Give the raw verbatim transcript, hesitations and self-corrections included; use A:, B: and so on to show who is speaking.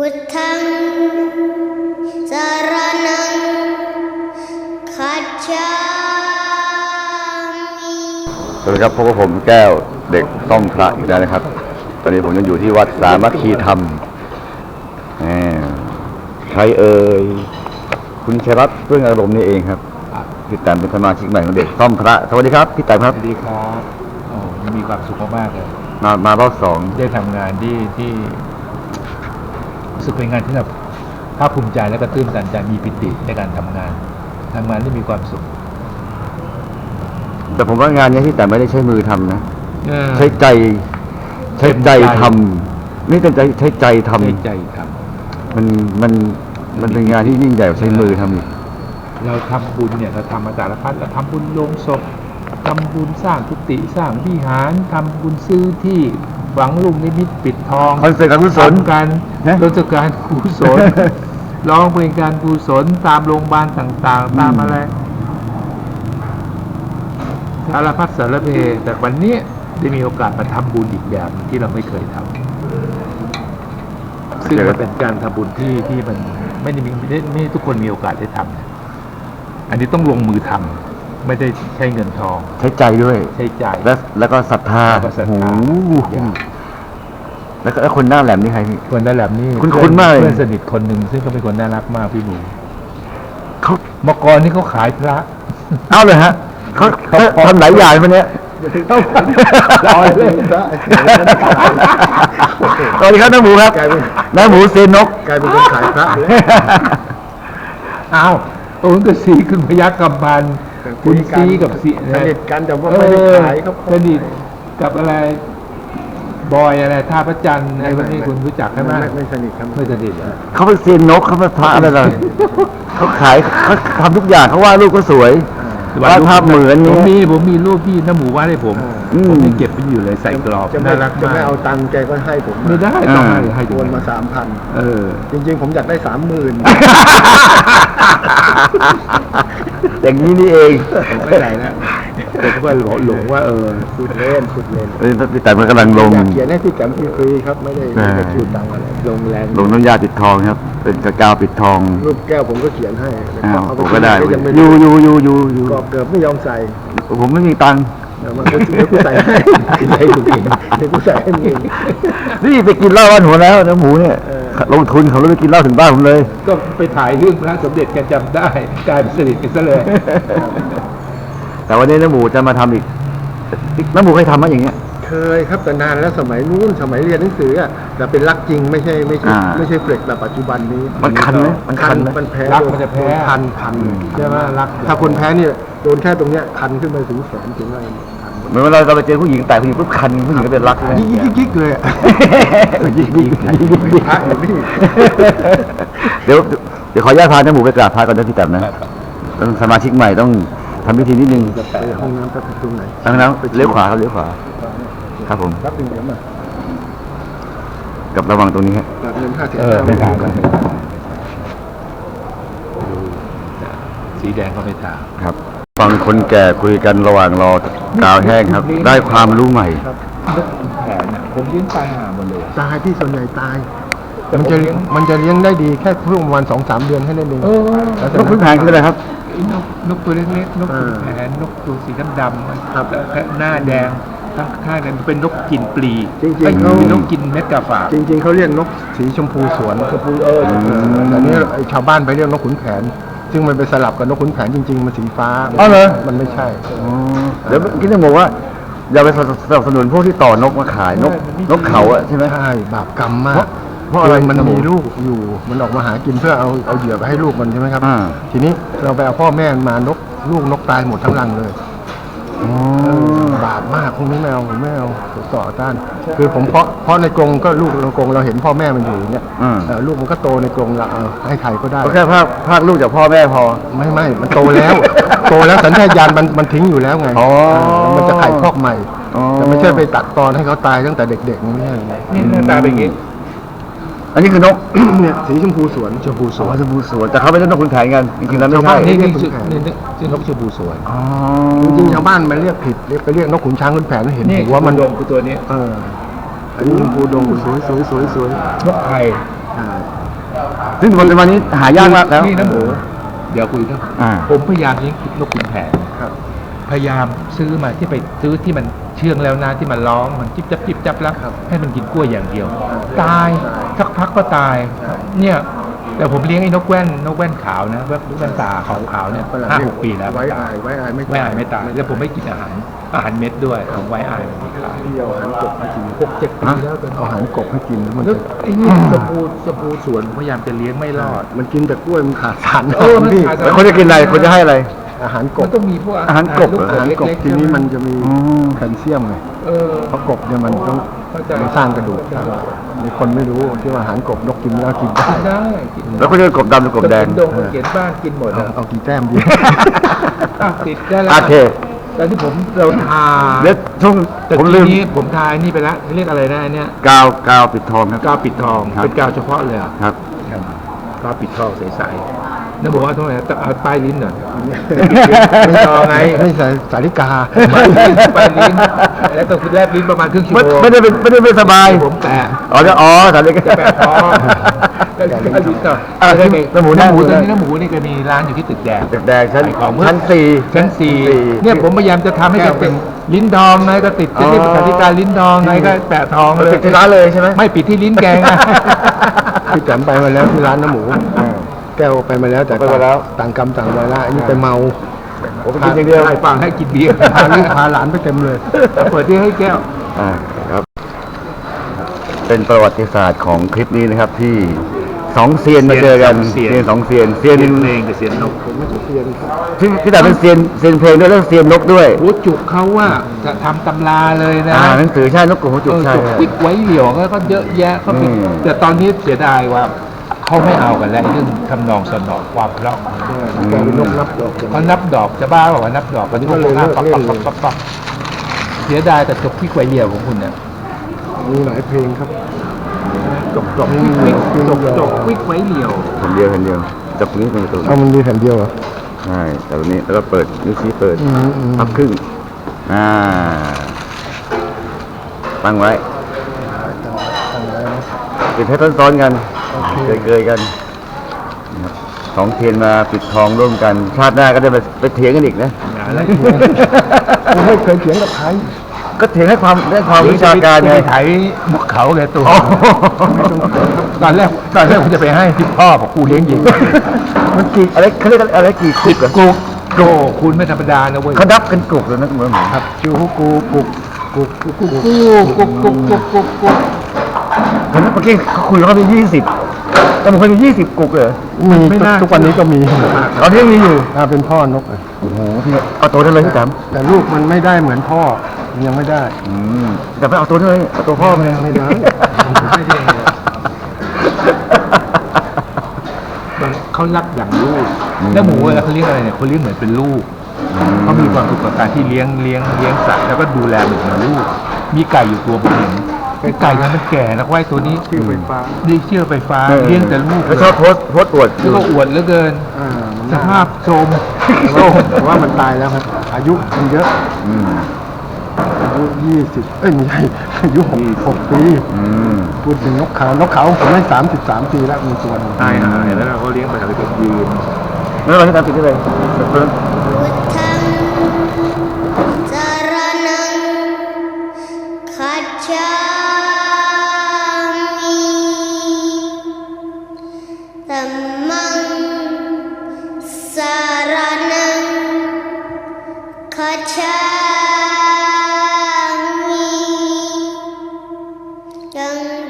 A: พุทธังสรณังคัจฉามิ
B: สวัสดีครับพบกับผมแก้วเด็กต้องพระอีกแล้วนะครับตอนนี้ผมยังอยู่ที่วัดสามัคคีธรรมใครเอ่ยคุณชัยรัตน์เพื่อนอารมณ์นี่เองครับพี่แตมเป็นสมาชิกใหม่ของเด็กต้องพระสวัสดีครับพี่แตมครับ
C: สวัสดีครับโอ้มีความสุขมากๆเลย
B: มามารอบสอง
C: ได้ทำงานที่ที่รู้สึกเป็นงานที่แบบภาคภูมิใจและก็ตื้นตันใจมีปิติในการทำงานทำงานที่มีความสุข
B: แต่ผมว่างานนี้พี่แตมไม่ได้ใช้มือทำนะ
C: เออ
B: ใช้ใจใช้ใจทำนี่เป็นใจใช้ใจทำ
C: ใช้ใจท
B: มันมันมันเป็นงานที่ยิ่งใหญ่กว่าใช้มือทำอีก
C: ำเราทำบุญเนี่ยเราทำมาสารพัดเราทำบุญโลงศพทำบุญสร้างกุฏิสร้างวิหารทำบุญซื้อที่หวังลุงนิมิตปิดทอง
B: คอนเสิร์ตการกุศล
C: ทำการราชการกุศล ร้องเพลงการกุศลตามโรงพยาบาลต่างๆ ตามอะไรสารพัดสารเพแต่วันนี้ได้มีโอกาสมาทำบุญอีกแบบที่เราไม่เคยทำซึ่งมันเป็นการทำบุญที่ที่มันไม่ได้มีไม่ได้ไม่ได้ทุกคนมีโอกาสได้ทำอันนี้ต้องลงมือทำไม่ได้ใช้เงินทอง
B: ใช้ใจด้วย
C: ใช้ใจ
B: แล้วแล้วก็ศรัทธา
C: แล้วก็ศรัทธา
B: โอ้โหแล้วก็แล้วคนหน้าแหลมนี่ใครพี่
C: คนนั่นแหละนี่
B: คุ้นๆมากเลย
C: เพื่อนสนิทคนหนึ่งซึ่งเขาเป็นคนน่ารักมากพี่หมู
B: เขา
C: เมื่อก่อนนี่เขาขายพระ
B: เอาเลยฮะเขาเขาทำหลายอย่างมันเนี้ย
C: ร้อยเลย
B: สวัสดีครับน้าหมูครับน้าหมูเซนนก
D: กลายเป็นคนขายพระเลย
C: อ้าวโอ้ยก็สีคุณพยัคฆ์กำพันธ์คุณซีกับซี
D: สนิทกันแต่ว่าไม่ได้ขายครับ
C: สนิทกับอะไรบอยอะไรท่าพระจันทร์อะไรพวกนี้คุณรู้จักใช่ไหม
D: ไม่ไม่สนิทครับ
C: ไม่สนิทเหรอ
B: เขาเป็นเซนนกเขาเป็นพระอะไรล่ะเขาขายเขาทำทุกอย่างเขาวาดรูปก็สวย วาดภาพเหมือน
C: ผ
B: เนี้
C: มมี
B: ย
C: ผมมีรูปพี่น้าหมูวาดให้ผม
B: อืม
C: ผมยังเก็บไว้อยู่เลยใส่กรอบ
D: จะไม่
C: น่ารัก
D: จะ
C: มา
D: ไม่
C: ก
D: เอาตังค์แกก็ให้ผม
C: ไม่ได้ต้องให้ให้
D: โอนมาสามพัน
C: เออ
D: จริงๆ ผมอยากได้สามหมื่น
B: อย่างนี้นี่เอง
C: ไม่ไหนนะผมก็หลงว่าเออ
D: สุดเล่นสุดเล่น
B: เออพี่แต่มันกำลังลง
D: อยากเขียนให้พี่แกมฟรีๆครับไม่ได้ไม่ได้คิวตังค์อะไรลงแรง
B: ลงน้ำยาปิดทองครับ เป็นกระกาวปิดทอง
D: รูปแก้วผมก็เขียนให้แล้ว
B: อ้าว
D: เอา
B: ผมก็ได้
D: ยังไม่
B: ยูยูยูยูยู
D: กรอบเกิบไม่ยอมใส่
B: ผมไม่มีตังค์
D: เดี๋ยวมันก็เดี๋ยวกูใส่ให้ใส่กูเองเดี๋ยวกูใส่ให้มึงเอง
B: นี่ไปกินเหล้าบ้านหัวแล้วน้าหมูเนี่ย
D: เออ
B: ลงทุนเขาเลยไปกินเหล้าถึงบ้านผมเลย
C: ก็ไปถ่ายเรื่องพระสมเด็จแกจำได้กลายเป็นสนิทกันซะเลย
B: แต่วันนี้น้าหมูจะมาทำอีกน้าหมูเคยทำมั้ยอย่างเงี้ย
D: เคยครับแต่นานแล้วสมัยนู้นสมัยเรียนหนังสืออ่ะแต่เป็นรักจริงไม่ใช่ไม่ใช่
B: อ่า
D: ไม่ใช่เฟล็กแบบปัจจุบันนี้
B: มันคันไหมมันคันไหม
D: มันแพ้
C: รักมันจะแพ้
D: โดนคันคัน
C: ใช่ไหมรัก
D: ถ้าคนแพ้เนี่ยโดนแค่ตรงเนี้ยคันขึ้นไปถึงแขนถึงอะไรคัน
B: เหมือนเวลาเราไปเจอผู้หญิงแต่ผู้หญิงปุ๊บคันผู้หญิงก็เป็นรักเลย
D: ยิกยิกยิกเลยอะ
B: ยิกยิกยิกยิกยิก
D: พระอยู่นี่
B: เดี๋ยวเดี๋ยวขออนุญาตพาน้าหมูไปกราบพระก่อนนะพี่แต้มนะต้องสมาชิกใหม่ต้องทำพิธีนิดนึง
D: ไปห้องน้ำไปตรงไหน
B: ทางนั้นเลี้ยวขวาครับเลี้ยวขวาครับผม
D: รับหนึ่งเดี๋ยวมา
B: กับระวังตรงนี้ครับ
D: รับเงินค่าเสีย
C: เออไม่ถามกันสีแดงก็ไม่ถาม
B: ครับฟังคนแก่คุยกันระหว่างรอกาวแห้งครับ ได้ความรู้ใหม่
C: นกขุนแผนอ่ะผมเลี้ยงตายห่าหมดเลย
D: ตายที่ส่วนใหญ่ตาย
C: แต่
D: มัน
C: ผม
D: จะ
C: เลี้ยง
D: มันจะเลี้ยงได้ดีแค่ช่วงประมาณสองสามเดือนแค่นั้นเอง
C: เออ
D: แล้ว
B: น
D: จาก
B: กขุนแผนคืออะไรครับ
C: ไอ้นกนกตัวเล็กๆนกขุนแผนนกตัวสีดำๆมัน
D: ครับ
C: หน้าแดงทั้งข้างเนี่ยมันเป็นนกกินปลี
D: จริงๆ
C: ไอ้
D: เขา
C: เป็นนกกินเม็ดกาฝาก
D: จริงๆเขาเรียกนกสีชมพูสวนชมพูเออแต่นี้ไอ้ชาวบ้านไปเรียกนกขุนแผน ซึ่งมันไปสลับกับนกขุนแผนจริงๆมันสีฟ้า
B: อ๋อเหรอ
D: มันไม่ใช่
B: เดี๋ยวคิดจะบอกว่า อย่าไปสนับสนุนพวกที่ต่อนกมาขายนกนกเขาอะใช่ไหม
D: ใช่บาปกรรมมาก
B: เพราะอะไร
D: มัน
B: ครับผม
D: มีลูกอยู่มันออกมาหากินเพื่อเอาเอาเหยื่อไปให้ลูกมันใช่ไหมครับ
B: อ่า
D: ทีนี้เราไปเอาพ่อแม่มันมานกลูกนกตายหมดทั้งรังเลย
B: อ๋อ
D: บาปมากพวกนี้ไม่เอาผมไม่เอาผมต่อต้าน คือผมเพาะเพราะในกรงก็ลูกในกรงเราเห็นพ่อแม่มันอยู่อย่างเงี้ย
B: อืม
D: เอ่อลูกมันก็โตในกรงเราเอาให้ใครก็ได้
B: ก็แค่ภาคภาคลูกจากพ่อแม่พอ
D: ไม่ไม่มันโตแล้ว โตแล้วสัญชาตญาณมันมันทิ้งอยู่แล้วไง
B: อ๋อ
D: เออมันจะไข่คอกใหม่
B: อ๋อ
D: แต่ไม่ใช่ไปตัดตอนให้เขาตายตั้งแต่เด็กๆไม่ใช่
C: นี่หน้าตาเป็นอย่างงี้
B: อันนี้คือนก
D: เนี่ยสีชมพูสวนชมพูส
B: สว
D: วน น
B: ชมพูสวนแต่เขาไม่ใช่นกขุนแผนกันจริงๆแล้วไม่
D: ชาว
B: ใช่
D: บ้าน
C: นี่นี่
D: ขุน
C: ชื่อ
D: แผน
C: นี่นี่ชื่อนกชมพูสวย
B: อ๋อ
D: จริงๆชาวบ้านมันเรียกผิดเรียกไปเรียกนกขุนช้างขุนแผนเห็น
C: นี่
D: หัวมัน
C: ดงคือตัวนี้
D: เอออันนี้ชมพูดงสวยสวยสวยสวย
C: นกไทย
D: อ่า
B: ซึ่งปัจจุบันนี้หายากมากแล้ว
C: นี่นะหมูเดี๋ยวคุยเรื่อง
B: อ่า
C: ผมพยายามเลี้ยงนกขุนแผน
D: ครับ
C: พยายามซื้อมาที่ไปซื้อที่มันเชื่องแล้วนะที่มันร้องมันจิบจับจิบจับแล้ว
D: ครับ
C: ให้มันกินกล้วยอย่างเดียว
D: ครับ
C: ตาย
D: ใช่
C: สักพักก็ตาย เนี่ยแต่ผมเลี้ยงไอ้นกแว่นนกแว่นขาวนะแว่นแว่นตาขาวขาวๆเนี่ย
D: ฝรั่ง
C: ห้า
D: เรีย
C: หกปีแล้ว
D: ไว้อายไว้อายไม่
C: ไว้อายไม่ตายแล้วผมไม่กินอาหารอาหารเม็ดด้วยผมไว้อายมันไม่ขาย
D: ที่เอาอาหารกบให้กิน
C: หกเจ็ดปีแล้วตอน
D: เอาอาหารกบให้กินแล้วมัน
C: แล้ว
D: จะ
C: ไอ้นี่สปูสปูสวนผมพยายามจะเลี้ยงไม่รอด
D: มันกินแต่กล้วยมันขาดสาร
C: เออมัน
D: พี่
C: ขาดสาร
B: แล้วคนจะกินอะไรคนจะให้อะไร
D: อาหารก
C: มั
D: บ
C: นต้องมีพวก
B: อาหารกบ
C: ลูก
D: อาหารกบ
C: เล็กๆ
D: ทีนี้มัน
C: ใช่ไห
D: จะมี
B: อืม
D: แคลเซียมไง
C: เออ
D: เพราะกบเนี่ยมันต้อง
C: เข้าใจ
D: มันสร้างกระดูกมีคนไม่รู้ที่ว่าอาหารกบนกกินแล้วกินได้
C: กินได้กิน
B: แล้วคนจะกบดำหรือกบแดง
C: ดงเขียนบ้านกินหมด
D: เอา
C: อะ
D: เอากี่แต้มดี
C: อ่ะติดได้แล้ว
B: โอเค
C: ตอนที่ผมเราทา
B: เดี๋ยวช่วง
C: แต่
B: ผม
C: ที
B: ลืม
C: นี้ผมทายนี่ไปแล้วเรียกอะไรนะอันเนี้ย
B: กาวกาวปิดทองครับ
C: กาวปิดทอง
B: ครับ
C: เป็นกาวเฉพาะเลยเหรอ
B: ครับ
C: กาวปิดทองใสๆแล้วบอกว่าทำไมต้องเอาป้ายลิ้นหน่อยไม่ทองไง
D: ไม่ใส่สาริกา
C: ป้ายลิ้นป้ายลิ้นแล้วต้องคือแลบลิ้นประมาณครึ่งชั่ว
B: ไม่
C: โมง
B: ไม่ได้เป็นไม่ได้ไม่สบาย
C: ผมแตะ
B: อ๋อจะอ๋อสารเลก
C: จะแปะท้องแล้วก็ลิ้นต่อ
B: อ่ะ
C: แล้วก็
B: น้ำหมู
C: น้ำหมู
B: ได้
C: ตอนนี้น้ำหมูนี่ก็มีร้านอยู่ที่ตึกแดง
B: ตึกแดงชั้น
C: ขายของเมื่อ
B: ชั้นสี่
C: ชั้นสี่เนี่ยผมพยายามจะทำให้มันเป็นลิ้นทองไงก็ติดจะเรียกสาริกาลิ้นทองไงก็แปะทองเลย
B: ติดที่ร้านเลยใช่ไหม
C: ไม่ปิดที่ลิ้นแกงอะ
D: พี่แต๋มไปมาแล้วที่ร้านน้ำหมู
B: อ่า
D: แก้วไปมาแล้วแต่
B: ไปมาแล้ว
D: ต่างกรรมต่างวาระอันนี้ไปเมา
B: ผมไปกินอย่างเดียว
C: ให้ฟังให้กินเบียร์
D: พาลูกพาหลานไปเต็มเลย
C: เปิดที่ให้แก้ว
B: อ่าครับ เป็นประวัติศาสตร์ของคลิปนี้นะครับที่สองเซียนมาเจอกัน
C: เซียน
B: เซียนสองเซียนเซียน
C: เสียงเพลงกับเสียงนก
D: ผมไม่ใช่เซียนครับ
B: ที่พี่แต่เป็นเซียนเซียนเพลงด้วยแล้วเซียนนกด้วย
C: หัวจุกเขาว่าจะทำตำราเลยนะ
B: อ่าหนังสือใช่นกกระหัวจุก
C: เออ
B: ใช่
C: จุกปิกไว้เหลี่ยวก็เยอะแยะเขาปิด
B: อืม
C: แต่ตอนนี้เสียดายว่าเขาไม่เอากันแล้วเรื่องทำนองสนอความเพราะของมัน
D: แกเป็นนกนับดอกจัง
C: เขานับดอกจะบ้าบอกว่านับดอกวันนี้เขาหน้าปั๊บปั๊บปั๊บปั๊บปั๊บเสียดายแต่จบที่ไกวเหลี่ยวของคุณเนี่ย
D: มีหลายเพลงครับ
C: จบจบวิกวิกจบจบวิกไว้เหลี่ยว
B: แผ่นเดียวแผ่นเดียวจับตรงนี้เป็นประตู
D: เอามันมีแผ่นเดียวเหรอ
B: ใช่แต่ตรงนี้แล้วก็เปิดนิ้วชี้เปิด
D: อืมอืม
B: พับครึ่งอ่าตั้งไว้
D: ตั้งไว้นะ
B: ปิดให้ซ้อนๆกัน
D: โอเค
B: เกยๆกันนะครับสองเทียนมาปิดทองร่วมกัน ชาติหน้าก็ได้ไปไปเถียงกันอีกนะ
C: อะไร
D: ผมไม่เคยเถียงกับใคร
B: ก็เถียงให้ความได้ความวิชาการไง
C: ไถมุกเขาแกตัว
B: อ๋อ
C: ตอนแรกตอนแรกผมจะไปให้ที่พ่อบอกกูเลี้ยงหญิง
B: มันกี่อะไรเขาเรียกอะไรกี่คุกเหรอ
C: กูโกคุณไม่ธรรมดานะเว้ย
B: เขานับกันกลุ่มเลยนะเหมือนหมู
D: ครับจูฮูกูกุกกุกกุกกุก
C: กูกูกูกูกูกู
B: เห็นไหมเมื่อกี้เขาคุยแล้วเขามียี่สิบแต่มันเคยมียี่สิบกุกเลยเหรอ
D: มีทุกวันนี้ก็มี
B: ตอนนี้ยังมีอยู่
D: อ่าเป็นพ่อนกอ่ะ
B: โอ้โหพี่เอาตัวได้เลยพี่แต๋ม
D: แต่ลูกมันไม่ได้เหมือนพ่อยังไม่ได้
B: อืมแต่ไม่เอาตัวได้เลยเอาตัวพ่อมาเลย
D: ไม่ได้
C: ไม่ได้มันเขารักอย่างลูกแล้วหมูเวลาเขาเลี้ยงอะไรเนี่ยเขาเลี้ยงเหมือนเป็นลูกเขามีความสุขกับการที่เลี้ยงเลี้ยงเลี้ยงสัตว์แล้วก็ดูแลเหมือนลูก มีไก่อยู่ตัวผมเห็นไอ้ไก่เนี่ยมันแก่นะไว้ตัวนี้
D: ชื่อไฟฟ้า
C: นี่เชื่อไฟฟ้าเลี้ยงแต่ลูก
B: แล้วชอบโพสต์โพสต์อวด
C: แล้วก็อวดเหลือเกิน
D: อ่ามัน
C: ส
D: น่า
C: ภาพโทรม
D: แต่
C: โทร
D: ว่าม แต่ว่ามันตายแล้วครับ อายุมันเยอะ
B: อืม
D: อายุยี่สิบเอ้ยไม่ใช่อายุหกหกปี
B: อืม
D: พูดถึงนกขาวนกเขาผมได้สามสิบสามปีแล้วมีตัวหนึง
C: ตายหายแล้วเราก็เลี้ยงไปทำให้เป็นยืน
B: ไม่เป็นไรพี่แต๋มปิดได้เลย
A: พุทธังสรณังคัจฉามิธัมมังสรณังคัจฉามิยัง